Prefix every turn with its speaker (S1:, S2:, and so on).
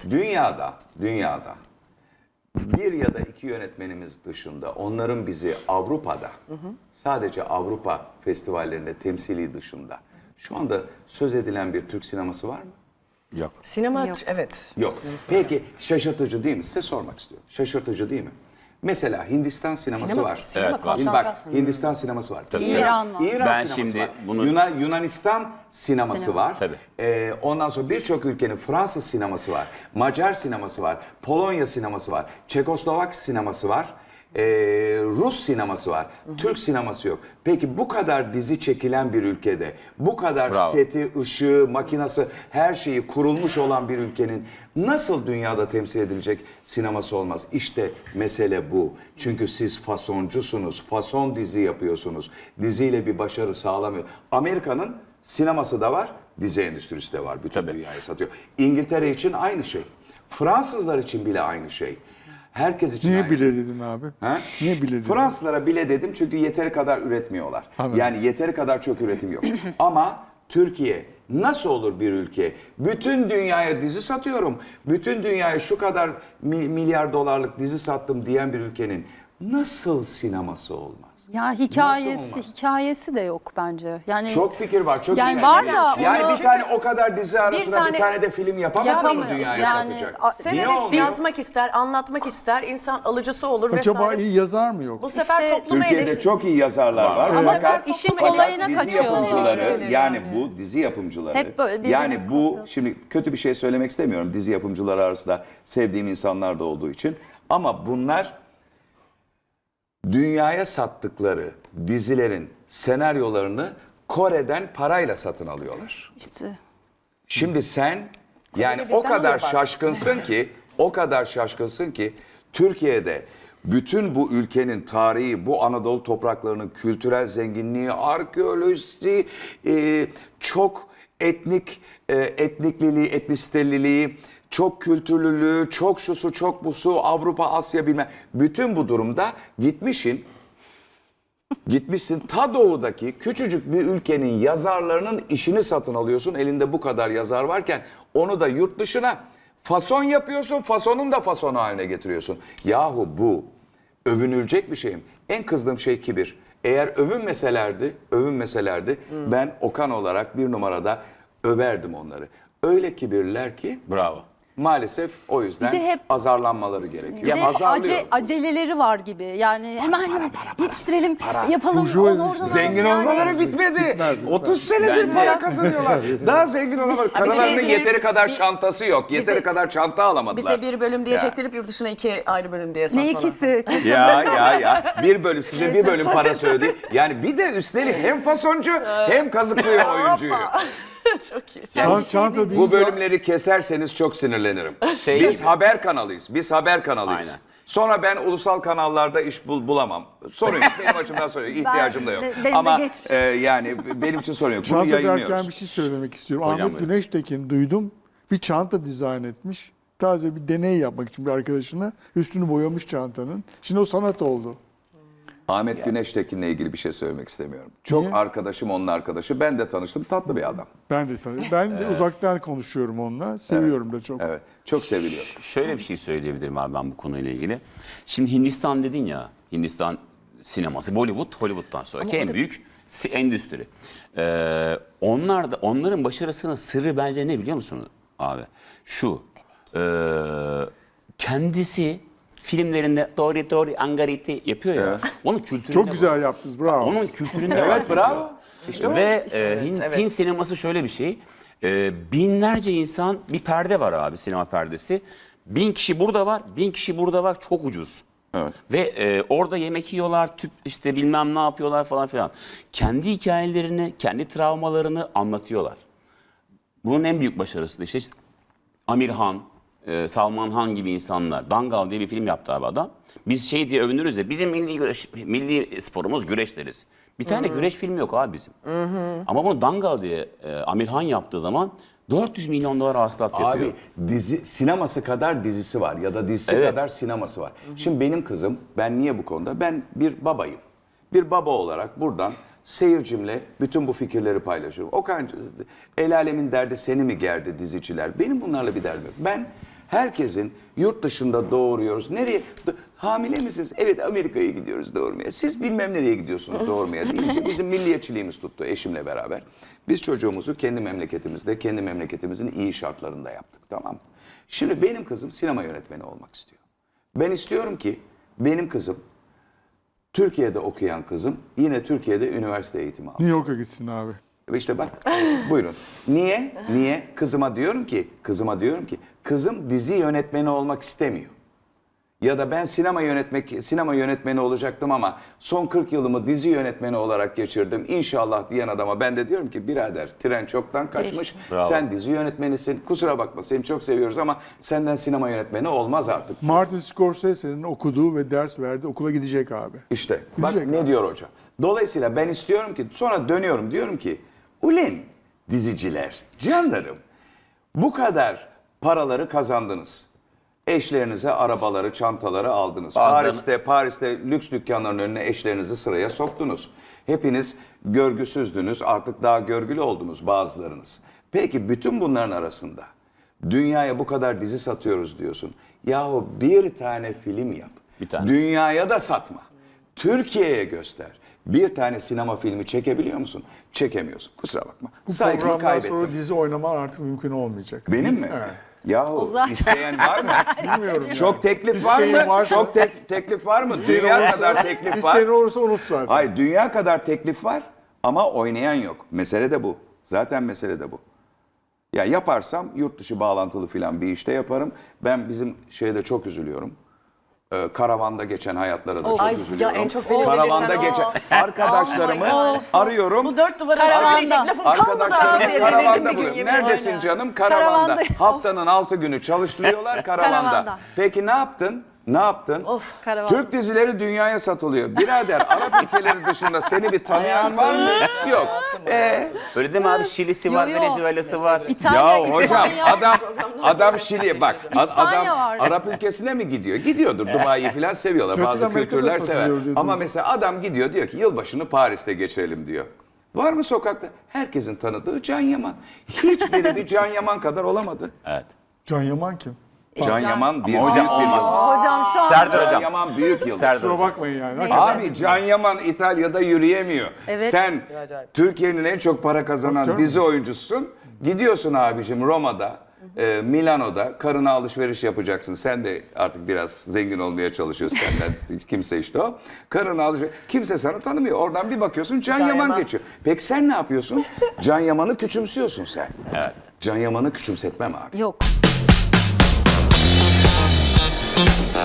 S1: dünyada bir ya da iki yönetmenimiz dışında onların bizi Avrupa'da sadece Avrupa festivallerinde temsili dışında şu anda söz edilen bir Türk sineması var mı?
S2: Yok.
S3: Sinema
S4: Yok.
S3: evet.
S1: Yok. Peki şaşırtıcı değil mi? Size sormak istiyorum. Şaşırtıcı değil mi? Mesela Hindistan sineması
S3: Sinema-
S1: var.
S3: sinema
S2: Evet, var.
S1: Şimdi
S3: konsantrasyon.
S1: bak Hindistan sineması var.
S4: İran var.
S1: İran
S2: Ben
S1: sineması
S2: şimdi
S1: var.
S2: bunu-
S1: Yunanistan sineması var.
S2: Tabii.
S1: Ondan sonra birçok ülkenin Fransız sineması var. Macar sineması var. Polonya sineması var. Çekoslovak sineması var. Rus sineması var. Türk sineması yok. Peki bu kadar dizi çekilen bir ülkede, bu kadar
S2: Bravo.
S1: seti, ışığı, makinası, her şeyi kurulmuş olan bir ülkenin nasıl dünyada temsil edilecek sineması olmaz? İşte mesele bu. Çünkü siz fasoncusunuz. Fason dizi yapıyorsunuz. Diziyle bir başarı sağlamıyor. Amerika'nın sineması da var, dizi endüstrisi de var. Bütün dünyaya satıyor. İngiltere için aynı şey. Fransızlar için bile aynı şey. Herkes için
S5: Niye
S1: aynı
S5: bile
S1: şey.
S5: dedin abi?
S1: Ha?
S5: Niye bile dedin?
S1: Fransızlara bile dedim çünkü yeteri kadar üretmiyorlar.
S5: Anladım.
S1: Yani yeteri kadar çok üretim yok. Ama Türkiye nasıl olur bir ülke? Bütün dünyaya dizi satıyorum. Bütün dünyaya şu kadar milyar dolarlık dizi sattım diyen bir ülkenin nasıl sineması olmaz?
S4: Ya
S1: Nasıl
S4: hikayesi de yok bence. Yani
S1: Çok fikir var. Çok
S4: Yani
S1: sinirli.
S4: var da
S1: yani
S4: onu-
S1: bir tane o kadar dizi arasında bir
S3: tane-
S1: tane de film yapamaz mı
S4: Yapamıyor.
S1: dünyaya
S4: Yani
S1: satacak?
S4: a-
S1: Niye
S3: Senarist
S1: olmuyor?
S3: yazmak ister, anlatmak ister, insan alıcısı olur
S5: Acaba
S3: vesaire.
S5: iyi yazar mı yok?
S3: Bu sefer
S4: İşte
S3: topluma
S1: Türkiye'de çok iyi yazarlar var.
S4: Ama
S1: Fakat
S4: işin
S3: topluma
S4: kolayına
S1: dizi
S4: kaçıyor.
S1: yapımcıları
S3: Eleştirileri
S1: yani
S3: yani.
S1: bu dizi yapımcıları
S4: Hep böyle birbirine
S1: yani bu
S4: kapıyor.
S1: şimdi kötü bir şey söylemek istemiyorum dizi yapımcıları arasında sevdiğim insanlar da olduğu için ama bunlar dünyaya sattıkları dizilerin senaryolarını Kore'den parayla satın alıyorlar.
S4: işte
S1: Şimdi sen yani
S3: bizden
S1: o kadar
S3: alıyor bazen.
S1: şaşkınsın ki Türkiye'de bütün bu ülkenin tarihi, bu Anadolu topraklarının kültürel zenginliği, arkeolojisi, çok etnikliliği, etnisiteliliği, çok kültürlülüğü, çok şusu, çok busu, Avrupa, Asya bilmem. Bütün bu durumda gitmişsin ta doğudaki küçücük bir ülkenin yazarlarının işini satın alıyorsun. Elinde bu kadar yazar varken onu da yurt dışına fason yapıyorsun. Fasonun da fasonu haline getiriyorsun. Yahu bu övünülecek bir şeyim. En kızdığım şey kibir. Eğer övünmeselerdi ben Okan olarak bir numarada överdim onları. Öyle kibirliler ki
S2: Bravo.
S1: maalesef o yüzden
S4: Bir de hep-
S1: azarlanmaları gerekiyor.
S4: bir de
S1: Azarlıyor.
S4: aceleleri var gibi. Yani hemen yetiştirelim, yapalım.
S5: Burjuvazi
S4: onu oradan
S5: işte.
S1: Zengin
S4: yani.
S1: olmaları bitmedi.
S5: Bitmez.
S1: 30 senedir
S2: Bence-
S1: para kazanıyorlar. Daha zengin olamadılar. Karılarının
S3: şey
S1: yeteri kadar
S3: bir-
S1: çantası yok. Yeteri kadar çanta alamadılar.
S3: Bize bir bölüm diye çektirip yurt dışına 2 ayrı bölüm diye
S4: Ne
S3: satmalar.
S4: ikisi?
S1: Ya. Bir bölüm size bir bölüm para söyledi. Yani bir de üstelik hem fasoncu hem kazıklıyor oyuncuyu.
S3: Çok iyi.
S5: Çanta değil.
S1: Bu bölümleri keserseniz çok sinirlenirim.
S2: Şey
S1: Biz
S2: gibi.
S1: haber kanalıyız. Biz haber kanalıyız.
S2: Aynen.
S1: Sonra ben ulusal kanallarda iş bulamam. Sorun yok. Benim açımdan sorun yok. İhtiyacım da yok.
S4: benim de
S1: Ama
S4: geçmiş.
S1: yani benim için sorun yok. Bunu
S5: Çanta
S1: yayınlıyoruz.
S5: derken bir şey söylemek istiyorum.
S2: Hocam
S5: Ahmet
S2: buyurun.
S5: Güneştekin duydum. Bir çanta dizayn etmiş. Taze bir deney yapmak için bir arkadaşına üstünü boyamış çantanın. Şimdi o sanat oldu.
S1: Ahmet Güneştekin'le ilgili bir şey söylemek istemiyorum. Çok
S5: Niye?
S1: arkadaşım, onun arkadaşı. Ben de tanıştım. Tatlı bir adam.
S5: Ben de uzaktan konuşuyorum onunla. Seviyorum da çok.
S1: Evet. Çok seviliyor.
S2: Şöyle bir şey söyleyebilirim abi ben bu konuyla ilgili. Şimdi Hindistan dedin ya, Hindistan sineması, Bollywood, Hollywood'dan sonraki en büyük endüstri. Onların başarısının sırrı bence ne biliyor musun abi? Şu, kendisi filmlerinde doğru angariti yapıyor ya, onun kültüründe
S5: Çok
S2: var.
S5: güzel yaptınız. Bravo.
S2: Onun kültüründe var.
S1: Evet,
S2: çünkü.
S1: bravo. İşte o.
S2: Ve Hint sineması şöyle bir şey. Binlerce insan, bir perde var abi, sinema perdesi. 1000 kişi burada var, 1000 kişi burada var, çok ucuz.
S1: Evet.
S2: Ve orada yemek yiyorlar, tüp işte bilmem ne yapıyorlar falan filan. Kendi hikayelerini, kendi travmalarını anlatıyorlar. Bunun en büyük başarısı da işte Amir Han, Salman Han gibi insanlar. Dangal diye bir film yaptı abi adam. Biz şey diye övünürüz ya, bizim milli sporumuz güreş deriz. Bir tane güreş filmi yok abi bizim. Ama bunu Dangal diye Amir Han yaptığı zaman 400 milyon dolar hasılat yapıyor.
S1: Abi sineması kadar dizisi var ya da dizisi
S2: Evet.
S1: kadar sineması var. Şimdi benim kızım, ben niye bu konuda? Ben bir babayım. Bir baba olarak buradan seyircimle bütün bu fikirleri paylaşıyorum. Okan, el alemin derdi seni mi gerdi diziciler? Benim bunlarla bir derdim yok. Ben Herkesin yurt dışında doğuruyoruz. Nereye? Hamile misiniz? Evet, Amerika'ya gidiyoruz doğurmaya. Siz bilmem nereye gidiyorsunuz doğurmaya deyince bizim milliyetçiliğimiz tuttu eşimle beraber. Biz çocuğumuzu kendi memleketimizde, kendi memleketimizin iyi şartlarında yaptık, tamam mı? Şimdi benim kızım sinema yönetmeni olmak istiyor. Ben istiyorum ki benim kızım, Türkiye'de okuyan kızım yine Türkiye'de üniversite eğitimi alsın.
S5: New York'a gitsin abi.
S1: İşte bak, buyurun. Niye? Niye? Kızıma diyorum ki, kızım dizi yönetmeni olmak istemiyor. Ya da ben sinema yönetmeni olacaktım ama son 40 yılımı dizi yönetmeni olarak geçirdim. İnşallah diyen adama ben de diyorum ki birader, tren çoktan kaçmış.
S2: Bravo.
S1: Sen dizi yönetmenisin. Kusura bakma, seni çok seviyoruz ama senden sinema yönetmeni olmaz artık.
S5: Martin Scorsese'nin okuduğu ve ders verdiği okula gidecek abi.
S1: İşte bak
S5: Gidecek
S1: ne
S5: abi.
S1: diyor hoca. Dolayısıyla ben istiyorum ki, sonra dönüyorum diyorum ki ulen diziciler, canlarım, bu kadar paraları kazandınız. Eşlerinize arabaları, çantaları aldınız. Paris'te lüks dükkanların önüne eşlerinizi sıraya soktunuz. Hepiniz görgüsüzdünüz, artık daha görgülü oldunuz bazılarınız. Peki bütün bunların arasında dünyaya bu kadar dizi satıyoruz diyorsun. Yahu bir tane film yap.
S2: Bir tane.
S1: Dünyaya da satma. Türkiye'ye göster. Bir tane sinema filmi çekebiliyor musun? Çekemiyorsun. Kusura bakma.
S5: Bu
S1: Saygıyı
S5: programdan
S1: kaybettim.
S5: sonra dizi oynaman artık mümkün olmayacak.
S1: Benim mi?
S5: Evet.
S1: Yahu
S4: zaten-
S1: isteyen var mı?
S5: Bilmiyorum.
S1: Çok teklif var
S5: İsteğin
S1: mı?
S5: varsa-
S1: Çok teklif var mı?
S5: İsteyen
S1: Dünya
S5: olursa-
S1: kadar teklif var.
S5: İsteyen olursa unut zaten.
S1: Hayır, dünya kadar teklif var ama oynayan yok. Mesele de bu. Zaten mesele de bu. Ya yaparsam yurt dışı bağlantılı filan bir işte yaparım. Ben bizim şeyde çok üzülüyorum. Karavanda geçen hayatlara da çok
S3: Ay,
S1: üzülüyorum.
S3: ya en çok beni
S1: Karavanda
S3: delirten o.
S1: geçen arkadaşlarımı
S3: Aman
S1: arıyorum.
S3: Bu 4 duvar arasında söyleyecek lafım kalmadı artık
S1: Arkadaşlarımı
S3: diye
S1: karavanda
S3: delirdim bir gün
S1: buluyorum.
S3: yemin
S1: Neredesin
S3: ederim.
S1: canım? Karavanda.
S4: Karavanda.
S1: Haftanın 6 günü çalıştırıyorlar karavanda.
S4: Karavanda.
S1: Peki ne yaptın? Ne yaptın?
S4: Karavanda.
S1: Türk dizileri dünyaya satılıyor. Birader, Arap ülkeleri dışında seni bir tanıyan var mı? Yok.
S2: Öyle değil mi abi? Şili'si var,
S4: Yo, yo.
S2: Venezuela'sı var.
S4: İtalya,
S1: Ya hocam
S4: İspanya.
S1: adam Şili'ye bak. Adam
S4: var.
S1: Arap ülkesine mi gidiyor? Gidiyordur. Dubai'yi falan seviyorlar.
S5: Latin
S1: Bazı
S5: Amerika'da
S1: kültürler sever.
S5: satılıyor diyor.
S1: Ama mesela adam gidiyor diyor ki yılbaşını Paris'te geçirelim diyor. Var mı sokakta? Herkesin tanıdığı Can Yaman. Hiçbiri bir Can Yaman kadar olamadı.
S2: Evet.
S5: Can Yaman kim?
S1: Can Yaman bir
S2: hocam
S1: büyük bir
S2: olmaz.
S1: yıldız.
S3: Hocam şu an
S2: Serdar
S1: Can
S2: hocam.
S1: Yaman büyük yıldız.
S2: Serdar
S5: Kusura
S2: hocam.
S5: bakmayın yani. Hakikaten.
S1: Abi Can Yaman İtalya'da yürüyemiyor.
S4: Evet.
S1: Sen Türkiye'nin en çok para kazanan
S5: Tabii.
S1: dizi oyuncususun. Gidiyorsun abicim Roma'da, Milano'da karına alışveriş yapacaksın. Sen de artık biraz zengin olmaya çalışıyorsun senden. Kimse işte o. Karına alışveriş. Kimse sana tanımıyor. Oradan bir bakıyorsun Can Yaman
S3: Yaman.
S1: geçiyor. Peki sen ne yapıyorsun? Can Yaman'ı küçümsüyorsun sen.
S2: Evet.
S1: Can Yaman'ı küçümsetmem abi.
S4: Yok.